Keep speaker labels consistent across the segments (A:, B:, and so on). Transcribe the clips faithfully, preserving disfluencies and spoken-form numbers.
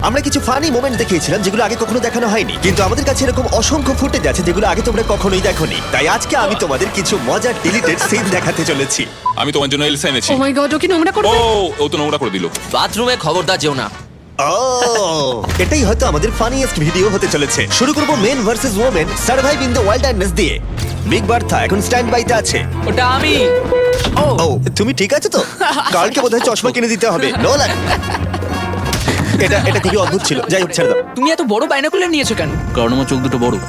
A: আমরা কিছু funny moment দেখিয়েছিলাম যেগুলো আগে কখনো দেখানো হয়নি, কিন্তু আমাদের কাছে এরকম অসংখ্য ফুটেজ আছে যেগুলো আগে তোমরা কখনোই দেখোনি। তাই আজকে আমি তোমাদের কিছু মজার ডিলিটেড সিন দেখাতে চলেছি।
B: আমি তোমার জন্য এলসা এনেছি।
C: ও মাই গড, ও কি নোংরা
B: ও
C: করবে?
B: ও তো নোংরা করে দিল।
D: বাথরুমে খবরদার যেও না।
A: ও এটাই হয়তো আমাদের ফানিয়েস্ট ভিডিও হতে চলেছে। শুরু করব men versus women survive in the wilderness দিয়ে। বিগ বার্থা এখন স্ট্যান্ড বাইতে আছে।
D: ওটা আমি। ও
A: ও তুমি ঠিক আছো তো? কালকে বোধহয় চশমা কিনে দিতে হবে। নোলান, এটা এটা খুবই অদ্ভুত ছিল। যাই হোক, ছেড়ে দাও।
C: তুমি এত বড় বাইনোকুলার নিয়েছো কেন?
D: কারণ আমার চোখ দুটো বড়।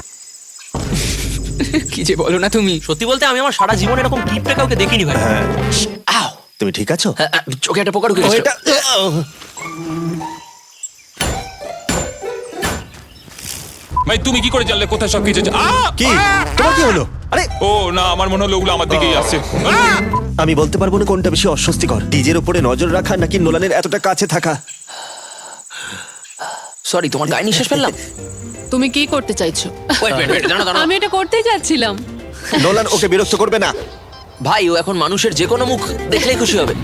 C: কি যে বলো না তুমি।
D: সত্যি বলতে আমি আমার সারা জীবন এরকম কিপটে কাউকে দেখিনি ভাই। আও
A: তুমি ঠিক আছো?
D: হ্যাঁ, হ্যাঁ, চোখে একটা পোকা ঢুকে
A: ও,
D: গেছে।
A: এটা
B: ভাই তুমি কি করে জানলে কোথায় সব কিছু আছে? আ!
A: কি তোমার কি হলো? আরে
B: ও না, আমার মনে হলো ওগুলো আমার দিকেই আসছে। আ!
A: আমি বলতে পারবো না কোনটা বেশি অস্বস্তিকর, ডিজের উপরে নজর রাখা নাকি নোলানের এতটা কাছে থাকা।
D: সরি, তোমার গায়ে নিঃশ্বাস ফেললাম।
C: তুমি কি করতে চাইছো?
D: ওয়েট ওয়েট ওয়েট, দাঁড়াও দাঁড়াও।
C: আমি এটা করতেই যাচ্ছিলাম।
A: নোলান ওকে বিরক্ত করবে না।
D: ভাই ও এখন মানুষের যে কোনো মুখ দেখলেই খুশি হবে।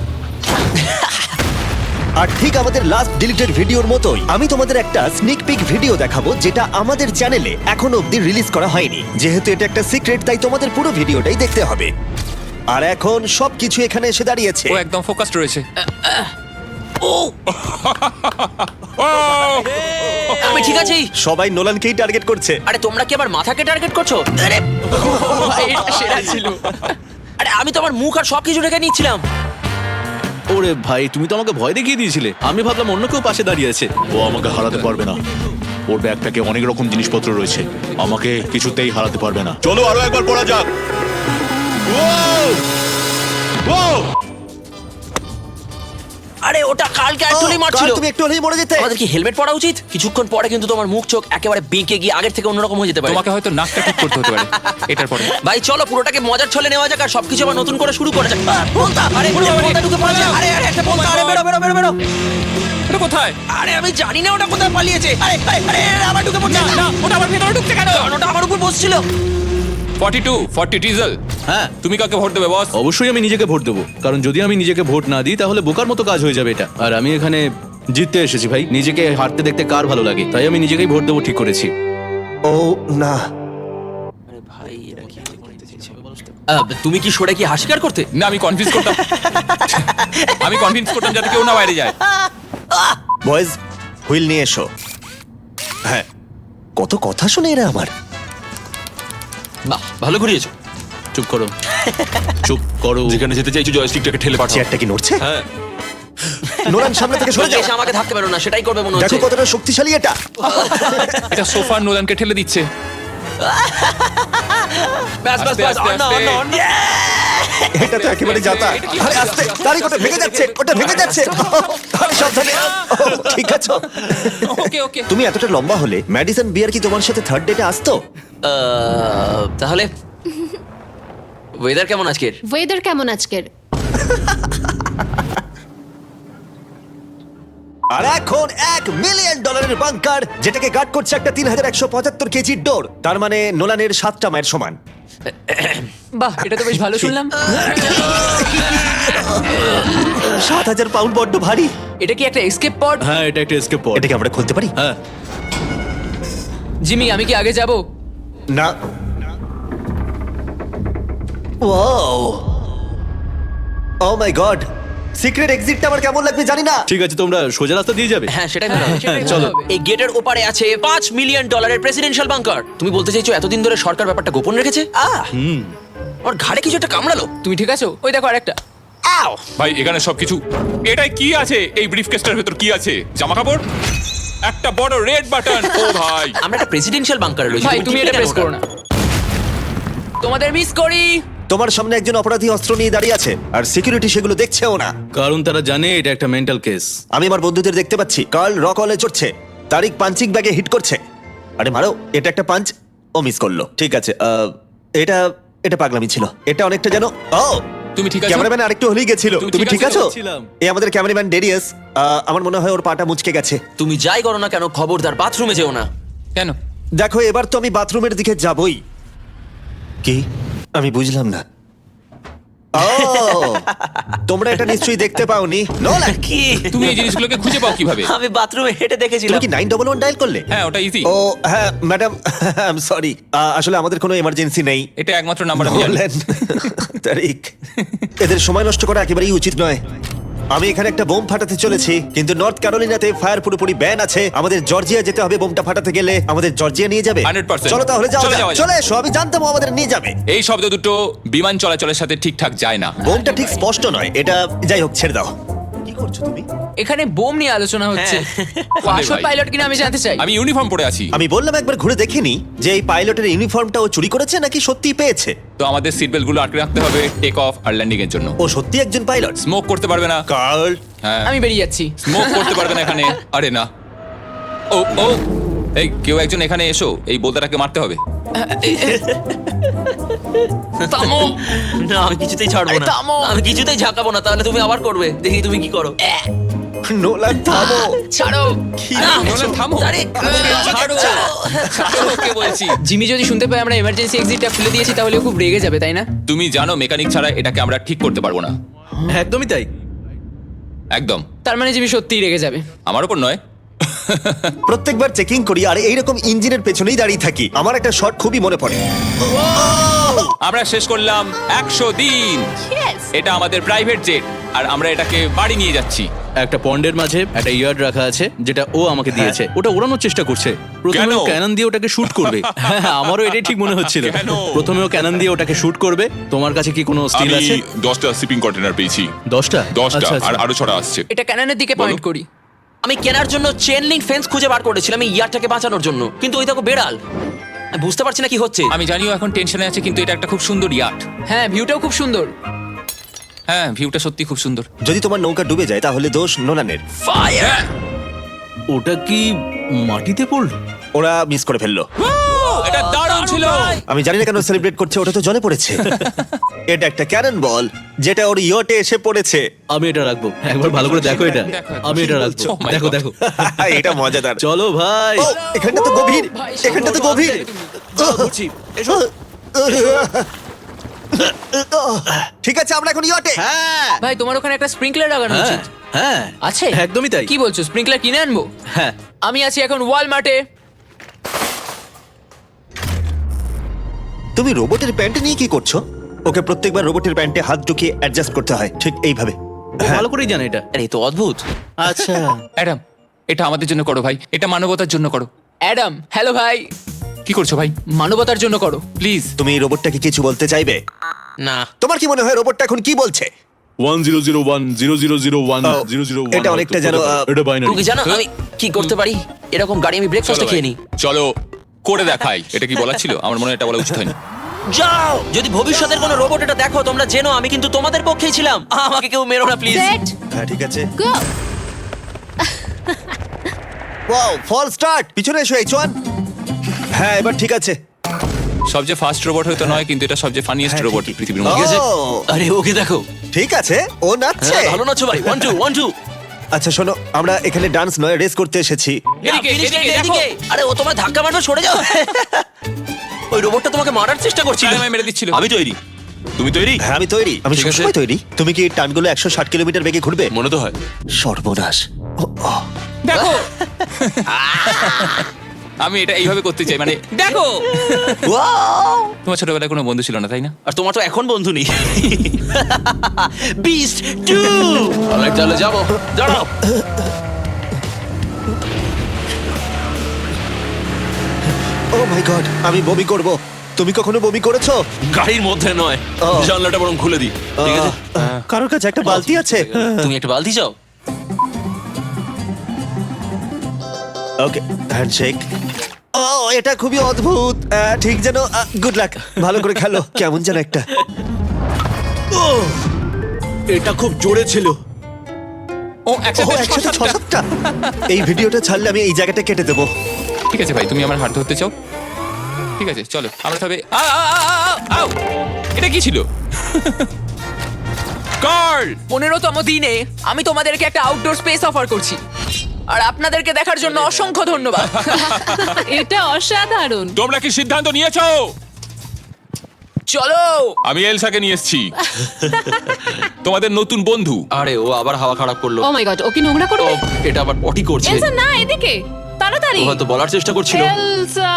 A: আর ঠিক আমাদের লাস্ট ডিলিটেড ভিডিওর মতোই আমি তোমাদের একটা স্নিক পিক ভিডিও দেখাবো যেটা আমাদের চ্যানেলে এখনো অবধি রিলিজ করা হয়নি। যেহেতু এটা একটা সিক্রেট তাই তোমাদের পুরো ভিডিওটাই দেখতে হবে। আর এখন সবকিছু এখানে এসে দাঁড়িয়েছে।
B: ও একদম ফোকাসড রয়েছে।
D: ও
B: ও!
D: আমি ঠিক আছি।
A: সবাই নোলানকেই টার্গেট করছে।
D: আরে তোমরা কি আবার মাথাকে টার্গেট করছো? আরে
C: এটা সেরা ছিল।
D: আরে আমি তো আমার মুখ আর সব কিছু ঢেকে নিচ্ছিলাম।
E: ওরে ভাই, তুমি তো আমাকে ভয় দেখিয়ে দিয়েছিলে। আমি ভাবলাম অন্য কেউ পাশে দাঁড়িয়ে আছে। ও আমাকে হারাতে পারবে না। ওর ব্যাগটাকে অনেক রকম জিনিসপত্র রয়েছে, আমাকে কিছুতেই হারাতে পারবে না। চলো আরো একবার পড়া যাক। ও! ও!
D: আরে ওটা কালকে অ্যাকচুয়ালি
A: ও,
D: মারছিল।
A: কাল তুমি একটু হলেই মরে যেতে।
D: আমাদের কি হেলমেট পরা উচিত? কিছুক্ষণ পরে কিন্তু তোমার মুখ চোখ একেবারে বেঁকে গিয়ে আগের থেকে অন্যরকম হয়ে যেতে পারে।
B: তোমাকে হয়তো নাকটা ঠিক করতে হতে পারে এটার পরে।
D: ভাই চলো পুরোটাকে মজার ছলে নেওয়া যাক আর সবকিছু আবার নতুন করে শুরু করা যাক। আহ, বলতা, আরে একটা বলতা ঢুকে পড়েছে। আরে আরে একটা বলতা, আরে বেরো বেরো বেরো বেরো।
B: এটা কোথায়?
D: আরে আমি জানি না ওটা কোথায় পালিয়েছে। আরে আরে আরে আরে, আবার ঢুকে পড়ছে। না ওটা আমার ভেতরে ঢুকছে কেন? কারণ ওটা আমার উপর বসছিল।
B: Forty two forty diesel.
E: হ্যাঁ,
B: তুমি কাকে ভোট দেবে বস?
E: অবশ্যই আমি নিজেকে ভোট দেবো, কারণ যদি আমি নিজেকে ভোট না দিই তাহলে বোকার মতো কাজ হয়ে যাবে এটা। আর আমি এখানে জিততে এসেছি ভাই। নিজেকে হারতে দেখতে কার ভালো লাগে, তাই আমি নিজেকেই ভোট দেবো ঠিক করেছি।
A: ও না,
D: আরে ভাই এরা কি করতে চাইছে? আহ, তুমি কি সরে কি হাসিকার করতে?
B: না, আমি কনভিন্স করতাম আমি কনভিন্স করতাম যাতে কেউ না বাইরে যায়।
A: বয়েজ হুইল নিয়ে এসো। হ্যাঁ, কত কথা শুনে এরা আমার।
D: বাহ ভালো ঘুরিয়েছো।
E: চুপ করো, চুপ করো।
B: যেখানে যেতে চাইছো জয়স্টিকটাকে ঠেলে পাঠাও।
A: চেয়ারটা কি নড়ছে?
B: হ্যাঁ।
A: নোলান সামনে থেকে সরে যাও।
D: এসে আমাকে ধাক্কা মেরো না, সেটাই করবে মনে
A: দেখো
D: হচ্ছে।
A: কতটা শক্তিশালী এটা।
B: এটা সোফার নোলানকে ঠেলে দিচ্ছে।
D: ব্যাস ব্যাস
B: আস্তে,
D: ব্যাস,
B: আস্তে,
D: অন্য,
B: আস্তে।
D: অন্য, অন্য।
A: এটা তো একেবারে যাতা। আরে আস্তে, তারি ওটা ভেঙে যাচ্ছে, ওটা ভেঙে যাচ্ছে। আরে সাবধানে। ও, ঠিক আছে।
B: ওকে ওকে।
A: তুমি এতটা লম্বা হলে ম্যাডিসন বিয়ার কি তোমার সাথে থার্ড ডেটে আসতো?
D: আহ, তাহলে ওয়েদার কেমন আজকের?
F: ওয়েদার কেমন আজকের?
A: আর এখন এক মিলিয়ন ডলারের বাংকার যেটাকে গার্ড করছে একটা তিন হাজার একশো পঁচাত্তর কেজির ডোর। তার মানে নোলানের সাতটা মায়ের সমান।
C: বাহ, এটা তো বেশ ভালো শুনলাম।
A: সাত হাজার পাউন্ড বড্ড ভারী।
C: এটা কি একটা এসকেপ পড?
E: হ্যাঁ, এটা একটা এসকেপ পড।
A: এটাকে আমরা খুলতে পারি?
E: হ্যাঁ,
C: জিমি, আমি কি আগে যাব?
A: না। Wow, oh my god, secret এক্সিটটা আমার কেমন লাগবে জানি না।
E: ঠিক আছে, তোমরা সোজা রাস্তা দিয়ে যাবে।
D: হ্যাঁ সেটাই ভালো হবে।
C: সেটাই
E: চলো।
C: ভালো হবে।
D: এই গেটের ওপারে আছে পাঁচ মিলিয়ন ডলারের প্রেসিডেন্সিয়াল বাংকার। তুমি বলতে চাইছো এতদিন ধরে সরকার ব্যাপারটা গোপন রেখেছে? আহ ওর ঘাড়ে কিছু একটা কামড়ালো।
C: তুমি ঠিক আছো? ওই দেখো আরেকটা।
D: আও
B: ভাই এখানে সবকিছু। এটাই কি আছে? এই ব্রিফকেসটার ভেতর কি আছে? জামা কাপড়? একটা বড় রেড বাটন। ও ভাই,
D: আমরা একটা প্রেসিডেন্সিয়াল বাংকারে রয়েছি।
C: ভাই তুমি এটা প্রেস করো না। তোমাদের মিস করি।
A: তোমার সামনে একজন অপরাধী অস্ত্র নিয়ে দাঁড়িয়ে আছে আর সিকিউরিটি সেগুলো দেখছেও না।
E: কারণ তারা জানে এটা একটা মেন্টাল কেস।
A: আমি আমার বন্ধুদের দেখতে পাচ্ছি। কার্ল রকলে চড়ছে, তারিক পাঞ্চিং ব্যাগে হিট করছে। আরে মারো, এটা একটা পাঞ্চ। ও মিস করলো। ঠিক আছে, আহ, এটা এটা পাগলামি ছিল। এটা অনেকটা যেন ও
B: তুমি ঠিক আছো?
A: ক্যামেরাম্যান আরেকটু হলেই গেছিল।
B: তুমি
A: তুমি
B: ঠিক
A: ঠিক
B: আছো?
A: আছো?
E: ছিলাম।
A: এই আমাদের ক্যামেরাম্যান ডেরিয়াস। আহ, আমার মনে হয় ওর পাটা মুচকে গেছে।
D: তুমি যাই করো না কেন খবরদার বাথরুমে যেও না।
B: কেন?
A: দেখো, এবার তো আমি বাথরুমের দিকে যাবই। কি? আমি বুঝলাম না। ও তোমরা এটা নিশ্চয়ই দেখতে পাওনি নোলান
D: কি
B: তুমি এই জিনিসগুলোকে খুঁজে পাও কিভাবে?
D: আমি বাথরুমে হেঁটে
A: তুমি
D: দেখেছিলাম।
A: কি নাইন ডবল ওয়ান ডায়াল করলে?
B: হ্যাঁ, ওটা ইজি।
A: ও হ্যাঁ ম্যাডাম আই এম সরি, আসলে আমাদের কোনো এমার্জেন্সি নেই।
B: এটা একমাত্র নাম্বার আমি জানি।
A: নোলান, তারিক, এদের সময় নষ্ট করা একেবারেই উচিত নয়। আমি এখানে একটা বোম ফাটাতে চলেছি, কিন্তু নর্থ ক্যারোলিনাতে ফায়ার পুরোপুরি ব্যান আছে। আমাদের জর্জিয়া যেতে হবে বোমটা ফাটাতে গেলে। আমাদের জর্জিয়া নিয়ে যাবে?
B: Hundred percent.
A: চলো তাহলে যাও,
B: চলে যাওয়া যাক।
A: চলে এসো, আমি জানতাম ও আমাদের নিয়ে যাবে।
B: এই শব্দ দুটো বিমান চলাচলের সাথে ঠিকঠাক যায় না।
A: বোমটা ঠিক স্পষ্ট নয়, এটা যাই হোক ছেড়ে দাও। কি করছো তুমি?
C: এখানে বোম নিয়ে আলোচনা হচ্ছে। পাশো
B: ভাই।
C: পাইলট কিনা আমি জানতে চাই।
B: আমি ইউনিফর্ম পরে আছি।
A: আমি বললাম একবার ঘুরে দেখিনি যে এই পাইলটের ইউনিফর্মটা ও চুরি করেছে নাকি সত্যিই পেয়েছে।
B: তো আমাদের সিট বেল্ট গুলো আটকে রাখতে হবে টেক অফ আর ল্যান্ডিং এর জন্য।
A: ও সত্যি একজন পাইলট?
B: স্মোক করতে পারবে না।
A: কার্ল,
B: হ্যাঁ,
C: আমি বেরিয়ে যাচ্ছি।
B: স্মোক করতে পারবে না এখানে। আরে না, ও ও এই কেউ একজন এখানে এসো, এই বোলতাটাকে মারতে হবে।
C: থামো।
D: না আমি কিছুতেই ছাড়বো
C: আরে
D: না,
C: থামো।
D: আমি কিছুতেই ঝাঁকাবো না। তাহলে তুমি আবার করবে, দেখি তুমি কি করো।
A: নোলান থামো।
C: ছাড়ো।
D: না,
B: নোলান, থামো।
D: আরে,
B: ছাড়ো, ছাড়ো ওকে বলছি।
C: জিমি যদি শুনতে পায় আমরা এমার্জেন্সি এক্সিটটা খুলে দিয়েছি তাহলে ও খুব রেগে যাবে, তাই না?
B: তুমি জানো মেকানিক ছাড়া এটাকে আমরা ঠিক করতে পারবো না।
E: একদমই তাই।
B: একদম।
C: তার মানে জিমি সত্যিই রেগে যাবে।
B: আমার উপর নয়।
A: প্রত্যেকবার চেকিং করি আর এইরকম ইঞ্জিনের পেছনেই দাঁড়িয়ে থাকি। আমার একটা শট খুবই মনে পড়ে।
B: আমরা শেষ করলাম একশো দিন। এটা আমাদের প্রাইভেট জেট আর আমরা এটাকে বাড়ি নিয়ে যাচ্ছি।
E: একটা পন্ডের মাঝে একটা ইয়ার্ড রাখা আছে যেটা ও আমাকে দিয়েছে। ওটা ওড়ানোর চেষ্টা করছে। প্রথমে
B: কেন?
E: ও ক্যানন দিয়ে ওটাকে শুট করবে। হ্যাঁ, আমারও এটাই ঠিক মনে হচ্ছিল।
B: কেন?
E: প্রথমে ও ক্যানন দিয়ে ওটাকে শুট করবে। তোমার কাছে কি কোনো স্টিল আছে?
F: দশটা শিপিং কন্টেনার পেয়েছি।
E: দশটা
F: দশটা
E: আচ্ছা, আচ্ছা।
F: আর আরো ছটা আসছে।
C: এটা ক্যাননের দিকে পয়েন্ট করি।
D: আমি কেনার জন্য চেন লিঙ্ক ফেন্স খুঁজে বার করেছিলাম এই ইয়ারটাকে বাঁচানোর জন্য, কিন্তু ওই দেখো বেড়াল। আমি বুঝতে পারছি না কি হচ্ছে।
B: আমি জানিও এখন টেনশনে আছে, কিন্তু এটা একটা খুব সুন্দর ইয়াট।
C: হ্যাঁ, ভিউটাও খুব সুন্দর।
B: হ্যাঁ, ভিউটা সত্যি খুব সুন্দর।
A: যদি তোমার নৌকা ডুবে যায় তাহলে দোষ নোলানের।
D: ফায়ার!
E: ওটা কি মাটিতে পড়লো?
A: ওরা মিস করে ফেললো।
B: এটা দারুণ ছিল।
A: আমি জানি না কেন সেলিব্রেট করছে, ওটা তো জলে পড়েছে। এটা একটা ক্যানন বল যেটা ওর ইয়টে এসে পড়েছে।
E: আমি এটা রাখবো, একবার ভালো করে দেখো এটা।
B: দেখো,
E: আমি এটা রাখবো,
B: Oh my
E: দেখো
B: God.
E: দেখো।
A: এটা মজাদার।
E: চলো ভাই।
A: ও, এখানটা তো গভীর,
C: ভাই,
A: এখানটা তো গভীর।
E: চলো, বলছি, এসো।
A: ঠিক আছে, আমরা এখন ইয়টে।
E: হ্যাঁ
C: ভাই তোমার ওখানে একটা স্প্রিংকলার লাগানো
E: হ্যাঁ
C: উচিত।
E: হ্যাঁ
C: আছে?
E: একদমই তাই।
C: কি বলছো, স্প্রিংকলার কিনে আনবো?
E: হ্যাঁ
C: আমি আছি এখন ওয়ালমার্টে।
A: তুমি রোবটের প্যান্ট নিয়ে কি করছো? ওকে প্রত্যেকবার রোবটের প্যান্টে হাত ঢুকিয়ে অ্যাডজাস্ট করতে হয়, ঠিক এইভাবে।
E: ও ভালো করেই জানে এটা।
D: আরে এ তো অদ্ভুত।
E: আচ্ছা
B: অ্যাডাম, এটা আমাদের জন্য করো ভাই, এটা মানবতার জন্য করো।
C: অ্যাডাম, হ্যালো ভাই।
B: কি করছো ভাই?
C: মানবতার জন্য করো।
B: প্লিজ।
A: তুমি এই রোবটটাকে কিছু বলতে চাইবে?
D: না,
A: তোমার কি মনে হয় রোবটটা এখন কি বলছে?
E: One zero zero one zero zero zero one
A: ও,
E: জিরো জিরো
A: এটা অনেকটা যেন, আহ,
E: এটা বাইনারি।
D: তুমি কি জানো আমি কি করতে পারি? এরকম গাড়ি আমি ব্রেকফাস্টে খেয়ে নিই।
B: চলো করে দেখাই। এটা কি বলা ছিল? আমার মনে হয় এটা বলা উচিত হয়নি।
D: যাও, যদি ভবিষ্যতের কোনো রোবট এটা দেখো তোমরা জেনো আমি কিন্তু তোমাদের পক্ষেই ছিলাম। আমাকে কেউ মেরো না প্লিজ।
G: সেট
A: হ্যাঁ ঠিক আছে।
G: গো।
A: Wow, fall start. পিছনে এসো এইচওয়ান। হ্যাঁ এবার ঠিক আছে।
B: সবচেয়ে ফাস্ট রোবট হয়তো নয়, কিন্তু এটা সবচেয়ে ফানিয়েস্ট
A: হ্যাঁ,
B: রোবট
A: ঠিকই।
B: পৃথিবীর
A: ও,
B: মধ্যে।
D: আছে? আরে ওকে দেখো।
A: ঠিক আছে, ও নাচছে।
D: হ্যাঁ, ভালো নাচো ভাই। One two one two.
A: আচ্ছা শোনো, আমরা এখানে ডান্স নয় রেস করতে এসেছি।
B: এদিকে,
D: Finish
B: এদিকে,
D: line
B: দেখো।
D: এদিকে। আরে ও তোমার ধাক্কা মারবে, সরে যাও। ওই রোবটটা তোমাকে মারার চেষ্টা করছিল।
B: তাই আমায় মেরে দিচ্ছিল।
F: আমি তৈরি। তুমি তৈরি?
A: হ্যাঁ আমি তৈরি, আমি
B: ঠিক আছে।
A: সবসময় তৈরি। তুমি কি টানগুলো একশো ষাট কিলোমিটার বেগে ঘুরবে?
F: মনে তো হয়।
A: সর্বনাশ। ও, ও।
B: দেখো, আমি এটা এইভাবে করতে চাই, মানে দেখো। তোমার ছোটবেলায় কোনো বন্ধু ছিল না, তাই না?
D: আর তোমার তো এখন বন্ধু নেই। Beast two.
B: অলরাইট, চলো যাবো।
D: দাঁড়াও।
A: ও মাই গড, আমি বমি করব। তুমি কখনো বমি করেছো?
F: গাড়ির মধ্যে নয়,
A: ও।
F: জানলাটা বরং খুলে দিই।
D: ঠিক আছে।
A: আহ, কারোর কাছে একটা বালতি আছে?
D: তুমি একটা বালতি চাও?
A: ওকে, হ্যান্ডশেক। ও এটা খুবই অদ্ভুত। আহ, ঠিক যেন গুড লাক, ভালো করে খেলো। কেমন যেন একটা। ও
E: এটা খুব জোরে ছিল।
B: ও
A: ও,
B: একসাথে ছ
A: একসাথে ছ
B: সাতটা।
A: সাতটা। এই ভিডিওটা ছাড়লে আমি এই জায়গাটা কেটে দেবো।
B: ঠিক আছে ভাই, তুমি আমার হাত ধরতে চাও? ঠিক আছে, চলো আমরা তবে। আ, আ, আ, আ, আ, আউ! এটা কি ছিল? কার্ল,
C: পনেরোতম দিনে আমি তোমাদেরকে একটা আউটডোর স্পেস অফার করছি, আর আপনাদেরকে দেখার জন্য অসংখ্য ধন্যবাদ।
G: এটা অসাধারণ।
B: তোমরা কি সিদ্ধান্ত নিয়েছো?
C: চলো
B: আমি এলসাকে নিয়ে এসেছি তোমাদের নতুন বন্ধু।
D: আরে ও আবার হাওয়া খারাপ করলো।
G: ও মাই গড ও কি নোংরা
D: ও
G: করবে?
D: এটা আবার পটি করছে।
G: এলসা না এদিকে তাড়াতাড়ি।
D: ও হয়তো বলার চেষ্টা করছিল।
G: এলসা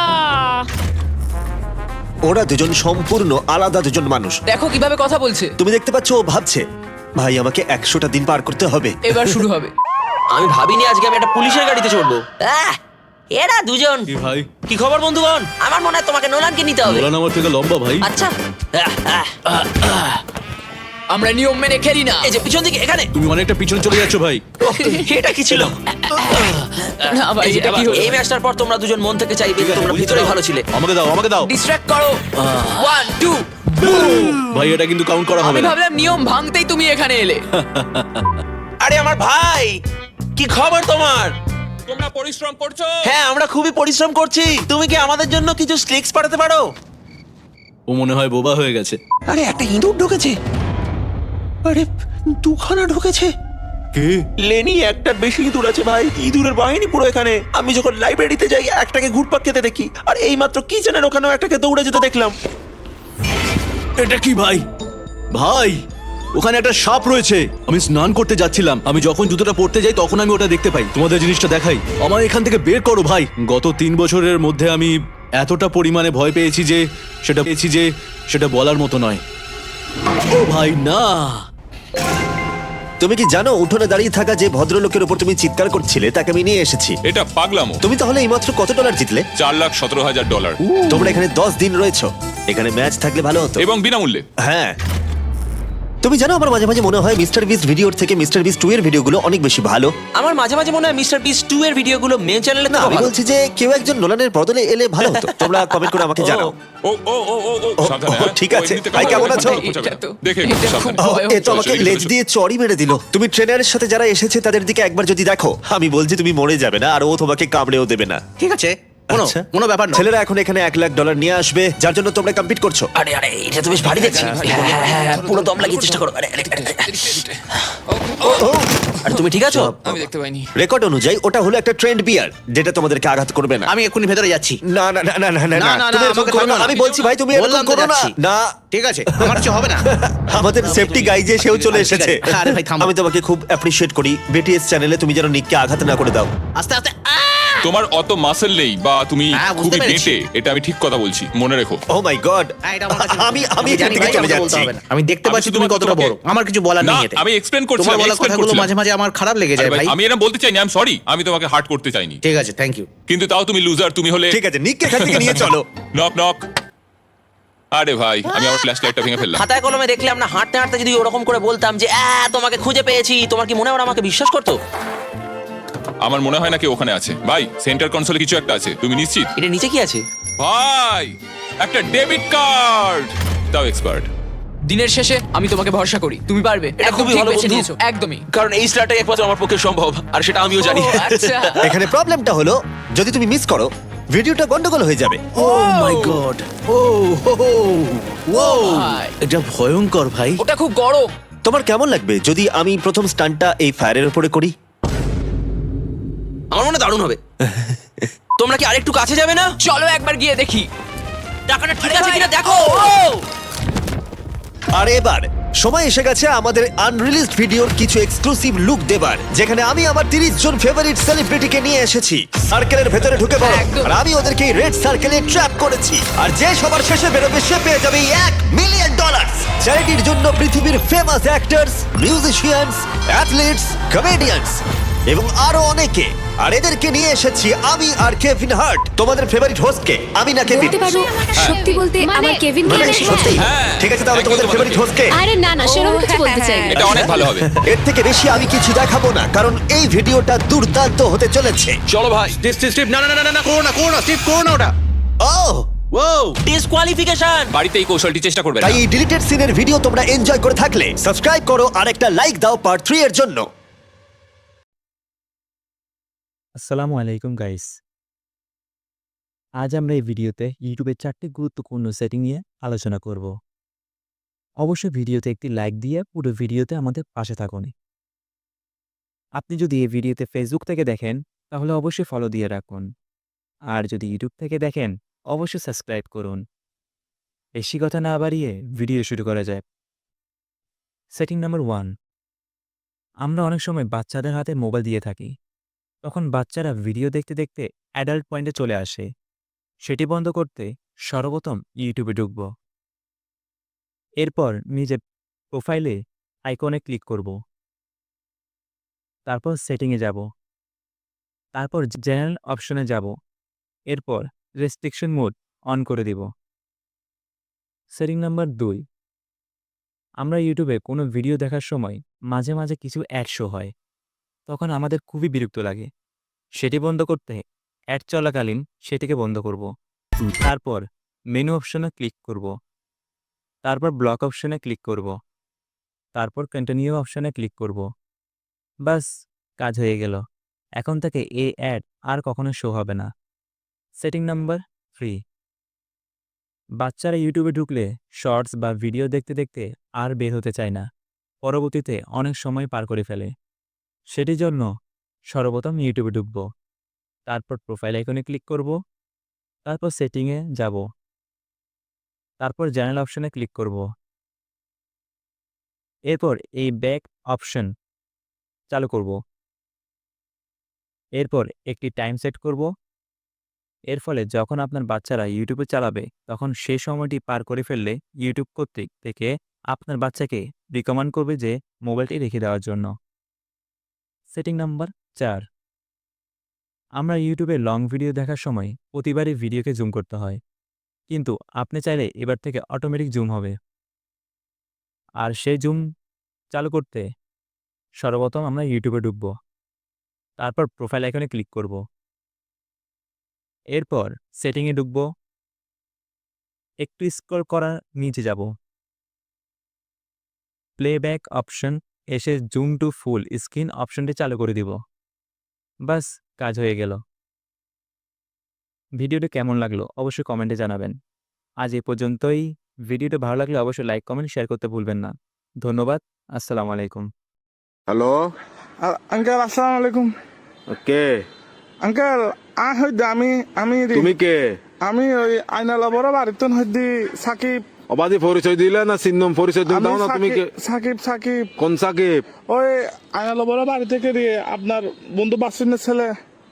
A: ওরা দুজন সম্পূর্ণ আলাদা দুজন মানুষ।
C: দেখো কিভাবে কথা বলছে।
A: তুমি দেখতে পাচ্ছ ও ভাবছে ভাই আমাকে একশোটা দিন পার করতে হবে।
C: এবার শুরু হবে।
D: আমি ভাবিনি আজকে আমি একটা পুলিশের গাড়িতে চড়বো। আহ, এরা দুজন
E: কি ভাই?
D: কি খবর বন্ধুগণ? আমার মনে হয় তোমাকে নোলানকে নিতে হবে।
E: নোলান আমার থেকে লম্বা ভাই।
D: আচ্ছা আহ, আহ,
C: আমরা নিয়ম মেনে খেলি না।
D: এই যে পিছন দিকে এখানে।
E: তুমি অনেকটা পিছনে চলে যাচ্ছ ভাই।
D: ওহ, এটা কি ছিল?
C: না ভাই
D: এই যে,
C: এটা কি
D: আবার
C: হলো?
D: এই ম্যাচটার পর তোমরা দুজন মন থেকে চাইবে যে তোমরা ভিতরে ভালো ছিলে।
E: আমাকে দাও আমাকে দাও
C: ডিস্ট্রাক্ট করো। One two.
E: ভাই, এটা কিন্তু কাউন্ট করা হবে
C: আমি
E: না।
C: ভাবলাম নিয়ম ভাঙতেই তুমি এখানে এলে।
D: আরে আমার ভাই, কি খবর তোমার?
B: তোমরা পরিশ্রম করছো?
D: হ্যাঁ আমরা খুবই পরিশ্রম করছি। তুমি কি আমাদের জন্য কিছু স্লিক্স পাঠাতে পারো?
E: ও মনে হয় বোবা হয়ে গেছে।
D: আরে একটা ইঁদুর ঢুকেছে। আরে দুখানা ঢুকেছে।
E: কে?
D: লেনি একটার বেশি ইঁদুর আছে ভাই। ইঁদুরের বাহিনী পুরো এখানে। আমি যখন লাইব্রেরিতে যাই একটাকে ঘুরপাক খেতে দেখি, আর এই মাত্র কিচেনের ওখানেও একটাকে দৌড়ে যেতে দেখলাম।
E: এটা কি ভাই? ভাই, ওখানে একটা সাপ রয়েছে। আমি স্নান করতে যাচ্ছিলাম, আমি যখন জুতোটা পরতে যাই তখন আমি ওটা দেখতে পাই। তোমাদের জিনিসটা দেখাই, আমার এখান থেকে বের করো ভাই। গত তিন বছরের মধ্যে আমি এতটা পরিমাণে ভয় পেয়েছি যে সেটা পেয়েছি যে সেটা বলার মতো নয়। ও ভাই না।
A: তুমি কি জানো উঠোনে দাঁড়িয়ে থাকা যে ভদ্রলোকের উপর তুমি চিৎকার করছিলে তাকে আমি নিয়ে এসেছি।
B: এটা পাগলামো।
A: তুমি তাহলে এইমাত্র কত ডলার জিতলে?
B: চার লাখ সতেরো হাজার ডলার
A: তোমরা এখানে দশ দিন রয়েছো। এখানে ম্যাচ থাকলে ভালো হতো।
B: এবং বিনামূল্যে।
A: হ্যাঁ, তুমি জানো আমার মাঝে মাঝে মনে হয় মিস্টার বিস্ট ভিডিওর থেকে মিস্টার বিস্ট টু এর ভিডিওগুলো অনেক বেশি ভালো।
D: আমার মাঝে মাঝে মনে হয় মিস্টার বিস্ট টু এর ভিডিওগুলো মেন চ্যানেলে
A: না,
D: না
A: আমি বলছি যে কেউ একজন নোলানের বদলে এলে ভালো হতো। তোমরা কমেন্ট করে আমাকে জানাও।
B: ও ও ও ও ও
A: ও,
B: সাবধানে,
A: ও,
B: হ্যাঁ?
A: ঠিক
B: ও,
A: আছে।
B: এমনিতে
A: ভাই,
B: কথা
A: কেমন
B: বলবে,
A: আছো?
B: কথা বলবে।
C: এটা তো-
B: দেখে
C: এটা
B: একটু
C: খুব
B: সাবধানে।
C: ভয়
A: ও, এ তো আমাকে লেজ দিয়ে চড়ই মেরে দিল। তুমি ট্রেনারের সাথে যারা এসেছে তাদের দিকে একবার যদি দেখো, আমি বলছি তুমি মরে যাবে না, আর ও তোমাকে কামড়েও দেবে না।
H: ঠিক আছে কোনো
A: আচ্ছা।
H: কোনো ব্যাপার না।
A: ছেলেরা এখন এখানে এক লাখ ডলার নিয়ে আসবে, যার জন্য তোমরা কম্পিট করছো।
D: আরে আরে এটা তো বেশ ভারী দেখছি। হ্যাঁ, হ্যাঁ, হ্যাঁ, পুরো দম লাগিয়ে চেষ্টা করো। আরে, আরে, আরে, আরে। আরে তুমি ঠিক আছো?
C: আমি দেখতে পাইনি।
A: রেকর্ড অনুযায়ী ওটা হলো একটা ট্রেন্ড বিয়ার, যেটা তোমাদেরকে আঘাত করবে না।
H: আমি এক্ষুনি ভেতরে যাচ্ছি।
A: না না না না না না
H: না, না,
A: তুমি
H: না,
A: এরকম
H: আমাকে
A: করো না।
H: থামাও।
A: আমি বলছি ভাই, তুমি এরকম
H: বললাম তো
A: করো না।
H: যাচ্ছি।
A: না,
H: ঠিক আছে আমার কিছু হবে না।
A: আমাদের সেফটি গাই যে সেও চলে
H: ঠিক আছে।
A: এসেছে।
H: আরে ভাই, থামো।
A: আমি তোমাকে খুব অ্যাপ্রিশিয়েট করি। বিটিএস চ্যানেলে তুমি যেন নিককে আঘাত না করে দাও।
H: আস্তে আস্তে আহ!
B: তোমার অত মাসেল নেই বা তুমি
H: হ্যাঁ, বুঝতে
B: খুবই
H: পেরেছি।
B: বেঁটে, এটা আমি ঠিক কথা বলছি, মনে রেখো।
A: ও মাই গড,
H: হ্যাঁ, এটা আমার কাছে-
A: আমি আমি এখান
H: জানি
A: থেকে
H: ভাই,
A: চলে
H: আমাকে বলতে
A: যাচ্ছি।
H: হবে না। আমি দেখতে
B: আমি
H: পাচ্ছি তুমি
B: শুধুমাত্র
H: কতটা বড়।
B: তোমাকে-
H: আমার কিছু বলার
B: না,
H: নেই এতে।
B: আমি explain করছিলাম,
H: তোমার বলা
B: explain
H: কথাগুলো
B: করছিলাম।
H: মাঝে মাঝে আমার খারাপ লেগে
B: আরে
H: যায়
B: ভাই,
H: ভাই।
B: আমি এরকম বলতে চাইনি, আই এম সরি, আমি তোমাকে হার্ট করতে চাইনি,
H: ঠিক আছে, থ্যাংক ইউ।
B: কিন্তু তাও তুমি লুজার, তুমি হলে
A: ঠিক আছে, নিককে এখান থেকে নিয়ে চলো।
B: Knock knock. আরে ভাই, আমি আমার ফ্ল্যাশ লাইটটা ভেঙে ফেললাম।
D: খাতায় কলমে দেখলে আমরা হাঁটতে হাঁটতে যদি ওরকম করে বলতাম যে আহ তোমাকে খুঁজে পেয়েছি, তোমার কি মনে হয় ওরা আমাকে বিশ্বাস করতো?
B: আমার মনে হয় না কেউ ওখানে আছে। ভাই, সেন্টার কনসোলে কিছু একটা আছে, তুমি নিশ্চিত?
D: এটা নিচে কি আছে?
B: ভাই, একটা ডেবিট কার্ড। তাও এক্সপার্ট।
C: দিনের শেষে আমি তোমাকে ভরসা করি, তুমি পারবে।
D: এটা
C: একদম
D: খুবই
C: ঠিক
D: ভালো
C: বেছে
D: বন্ধু।
C: নিয়েছো, একদমই।
D: কারণ এই স্টারটাই একমাত্র আমার পক্ষে সম্ভব, আর সেটা আমিও জানি।
C: ও, আচ্ছা।
A: এখানে প্রবলেমটা হলো যদি তুমি মিস করো ভিডিওটা গন্ডগোল হয়ে যাবে।
H: ও মাই গড, ও হো হো, ও
C: ভাই,
H: এটা ভয়ঙ্কর ভাই।
C: ওটা খুব গরম।
A: তোমার কেমন লাগবে যদি আমি প্রথম স্টান্টটা এই ফায়ারের উপরে করি?
D: আমার মনে হয় দারুণ হবে। তোমরা কি আরেকটু কাছে যাবে না?
C: চলো একবার গিয়ে দেখি।
D: টাকাটা ঠিক
C: আরে
D: আছে
C: ভাই,
D: কিনা দেখো।
A: আর এবার সময় এসে গেছে আমাদের আনরিলিজড ভিডিওর কিছু এক্সক্লুসিভ লুক দেবার, যেখানে আমি আমার তিরিশ জন ফেভারিট সেলিব্রিটিকে নিয়ে এসেছি। সার্কেলের ভেতরে ঢুকে পড়ো,
C: একদম।
A: আর আমি ওদেরকে রেড সার্কেলে ট্র্যাপ করেছি। আর যে সবার শেষে বেরোবে সে পেয়ে যাবে এক মিলিয়ন ডলার। চ্যারিটির জন্য পৃথিবীর famous actors, musicians, athletes, comedians এবং আরো অনেকে। আর এদেরকে নিয়ে এসেছি আমি আর কেভিন হার্ট, তোমাদের ফেভারিট হোস্টকে। আমি না কেভিন।
I: বলতে পারো সত্যি বলতে আমার কেভিন
A: মানে
I: কে
A: সত্যি?
B: হ্যাঁ।
A: ঠিক আছে, তাহলে
B: Thank you
A: তোমাদের
B: তোমাদেরকে।
A: ফেভারিট হোস্টকে।
I: আরে না না সেরকম কিছু বলতে চাই
B: এটা অনেক ভালো হবে।
A: এর থেকে বেশি আমি কিছু দেখাবো না, কারণ এই ভিডিওটা দুর্দান্ত হতে চলেছে।
D: চলো ভাই।
H: স্টিভ স্টিভ স্টিভ, না না না না না, করো না করো না স্টিভ, করো না ওটা।
A: ও
H: ও
D: ডিসকোয়ালিফিকেশন।
B: বাড়িতে এই কৌশলটি চেষ্টা করবে না।
A: তাই এই ডিলিটেড সিনের ভিডিও তোমরা এনজয় করে থাকলে সাবস্ক্রাইব করো আর একটা লাইক দাও পার্ট থ্রি এর জন্য।
J: আসসালামু আলাইকুম গাইস। আজ আমরা এই ভিডিওতে ইউটিউবের চারটি গুরুত্বপূর্ণ সেটিং নিয়ে আলোচনা করব। অবশ্যই ভিডিওতে একটি লাইক দিয়ে পুরো ভিডিওতে আমাদের পাশে থাকুন। আপনি যদি এই ভিডিওতে ফেসবুক থেকে দেখেন তাহলে অবশ্যই ফলো দিয়ে রাখুন, আর যদি ইউটিউব থেকে দেখেন অবশ্যই সাবস্ক্রাইব করুন। বেশি কথা না বাড়িয়ে ভিডিও শুরু করা যায়। সেটিং নাম্বার ওয়ান, আমরা অনেক সময় বাচ্চাদের হাতে মোবাইল দিয়ে থাকি। তখন বাচ্চারা ভিডিও দেখতে দেখতে অ্যাডাল্ট পয়েন্টে চলে আসে। সেটি বন্ধ করতে সর্বপ্রথম ইউটিউবে ঢুকব। এরপর নিজের প্রোফাইলে আইকনে ক্লিক করব। তারপর সেটিংয়ে যাব। তারপর জেনারেল অপশনে যাব। এরপর রেস্ট্রিকশন মোড অন করে দিব। সেটিং নাম্বার দুই, আমরা ইউটিউবে কোনো ভিডিও দেখার সময় মাঝে মাঝে কিছু অ্যাড শো হয়। তখন আমাদের খুবই বিরক্ত লাগে। সেটি বন্ধ করতে অ্যাড চলাকালীন সেটিকে বন্ধ করব। তারপর মেনু অপশনে ক্লিক করব। তারপর ব্লক অপশনে ক্লিক করব। তারপর কন্টিনিউ অপশনে ক্লিক করব। বাস, কাজ হয়ে গেল। এখন থেকে এই অ্যাড আর কখনো শো হবে না। সেটিং নাম্বার থ্রি, বাচ্চারা ইউটিউবে ঢুকলে শর্টস বা ভিডিও দেখতে দেখতে আর বের হতে চায় না। পরবর্তীতে অনেক সময় পার করে ফেলে। সেটির জন্য সর্বপ্রথম ইউটিউবে ঢুকব। তারপর প্রোফাইল আইকনে ক্লিক করব। তারপর সেটিংয়ে যাব। তারপর চ্যানেল অপশনে ক্লিক করব। এরপর এই ব্যাক অপশন চালু করব। এরপর একটি টাইম সেট করব। এর ফলে যখন আপনার বাচ্চারা ইউটিউবে চালাবে তখন সেই সময়টি পার করে ফেললে ইউটিউব কর্তৃক থেকে আপনার বাচ্চাকে রিকমেন্ড করবে যে মোবাইলটি রেখে দেওয়ার জন্য। সেটিং নাম্বার চার, আমরা ইউটিউবে লং ভিডিও দেখার সময় প্রতিবারই ভিডিওকে জুম করতে হয়। কিন্তু আপনি চাইলে এবার থেকে অটোমেটিক জুম হবে। আর সেই জুম চালু করতে সর্বপ্রথম আমরা ইউটিউবে ঢুকব। তারপর প্রোফাইল আইকনে ক্লিক করব। এরপর সেটিংয়ে ঢুকব। একটু স্ক্রল করার নিচে যাব। প্লেব্যাক অপশন এসে জুম টু ফুল স্ক্রিন অপশনটি চালু করে দিব। বাস, কাজ হয়ে গেল। ভিডিওটা কেমন লাগলো অবশ্যই কমেন্টে জানাবেন। আজ এ পর্যন্তই। ভিডিওটা ভালো লাগলে অবশ্যই লাইক কমেন্ট শেয়ার করতে ভুলবেন না। ধন্যবাদ। আসসালামু আলাইকুম।
E: হ্যালো,
K: আঙ্কেল আসসালামু আলাইকুম।
E: কে
K: আঙ্কেল আ হইদে আমি আমি
E: তুমি? কে?
K: আমি ওই আইনালা বড় বাড়িতে হইদি সাকিব।
E: অবাধি পরিচয় দিলে না চিহ্ন পরিচয় তুমি
K: আমি
E: দাও না? তুমি কে?
K: সাকিব সাকিব
E: কোন সাকিব?
K: ওই আইনালা বড় বাড়ি থেকে দিয়ে আপনার বন্ধু বাসিনের ছেলে।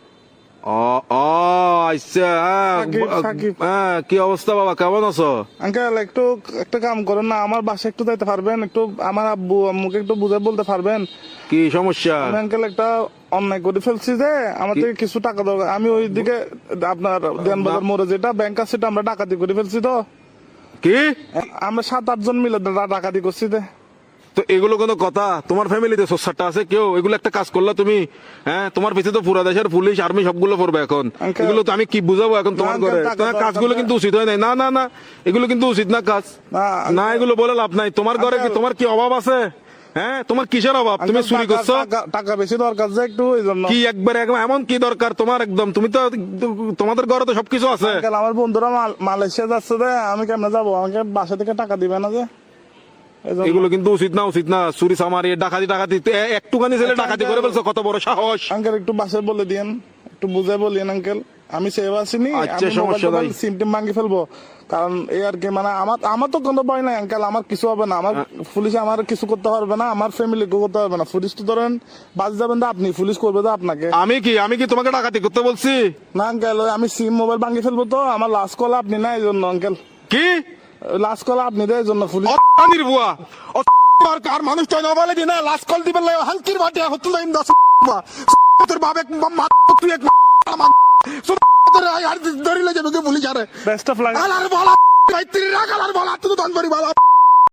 E: ও ও আচ্ছা, হ্যাঁ,
K: সাকিব, সাকিব।
E: হ্যাঁ, কি অবস্থা বাবা, কেমন আছো?
K: আঙ্কেল একটু একটা কাম করেন না, আমার বাসায় একটু যাইতে পারবেন? একটু আমার আব্বু আম্মুকে একটু বুঝে বলতে পারবেন?
E: কি সমস্যা?
K: আমি আঙ্কেল একটা অন্যায় করে ফেলছি যে আমার থেকে কিছু টাকা দরকার। আমি ওই দিকে আপনার দেনবাজার মোড়ে যেটা ব্যাংক আছে সেটা আমরা ডাকাতি করে ফেলছি। তো
E: কি
K: আমরা সাত আট জন মিলে ডা- ডাকাতি করছি। তো
E: তো এগুলো কোনো কথা? তোমার ফ্যামিলিতে সোসারটা আছে কেউ? এগুলো একটা কাজ করলা তুমি? হ্যাঁ, তোমার পিছিয়ে তো পুরা দেশের পুলিশ আর্মি সবগুলো পড়বে এখন।
K: Uncle-
E: এগুলো তো আমি কি বুঝাবো এখন তোমার
K: না,
E: ঘরে?
K: uncle, টাকা
E: তোমার
K: দরকার
E: কাজগুলো
K: না।
E: কিন্তু উচিত হয় নাই। না না না, এগুলো কিন্তু উচিত না কাজ।
K: না,
E: না,
K: uncle-
E: এগুলো বলে লাভ নাই। তোমার ঘরে কি
K: Uncle-
E: তোমার কি অভাব আছে? হ্যাঁ, তোমার কিসের অভাব? তুমি
K: আঙ্কেল,
E: চুরি
K: টাকা-
E: করছো?
K: টাকা- টাকা বেশি দরকার যে একটু ওই জন্য।
E: কি একবার একদম এমন কি দরকার তোমার? একদম তুমি তো তোমাদের ঘরে তো সবকিছু আছে।
K: আঙ্কেল, আমার বন্ধুরা মাল- মালয়েশিয়া যাচ্ছে যে আমি কেমনে যাবো? আমাকে বাসা থেকে টাকা দিবে না যে এই জন্য।
E: এগুলো কিন্তু উচিত না, উচিত না। চুরি চামারি ডাকাতি ডাকাতি এ- একটুখানি ছেলে
K: আচ্ছা,
E: ডাকাতি
K: uncle-
E: করে ফেলছো, কত বড় সাহস!
K: আঙ্কেল একটু বাসায় বলে দিয়েন, একটু বুঝে বলিয়েন আঙ্কেল। আমি সেভ আসিনি,
E: আচ্ছা, সমস্যা নাই।
K: সিম টিম ভাঙি ফেলবো। কারণ এই আর কি, মানে আমার আমার তো কোনো ভয় নাই আঙ্কেল। আমার কিছু হবে না। আমার পুলিশ আমার কিছু করতে পারবে না, আমার ফ্যামিলি কেউ করতে পারবে না। পুলিশ তো ধরেন বাস যাবেন তো আপনি, পুলিশ করবে তো আপনাকে।
E: আমি কি আমি কি তোমাকে ডাকাতি করতে বলছি?
K: না আঙ্কেল, ওই আমি সিম মোবাইল ভাঙি ফেলবো। তো আমার লাস্ট কল আপনি না, এই জন্য আঙ্কেল।
E: কি
K: লাস্ট কল আপনি দেয় এই জন্য পুলিশ।
E: অনির বুয়া ও কার মানুষ তো না বলে দিনা লাস্ট কল দিবেন লাই হালকির বাটে হতো না ইন্দা তোর বাবে মা তুই এক মা তোর আর ধরিলে যাবে পুলিশ আরে
K: বেস্ট অফ লাক।
E: আলার বলা ভাই তিরি রাখ আলার বলা তুই তো দন বাড়ি বলা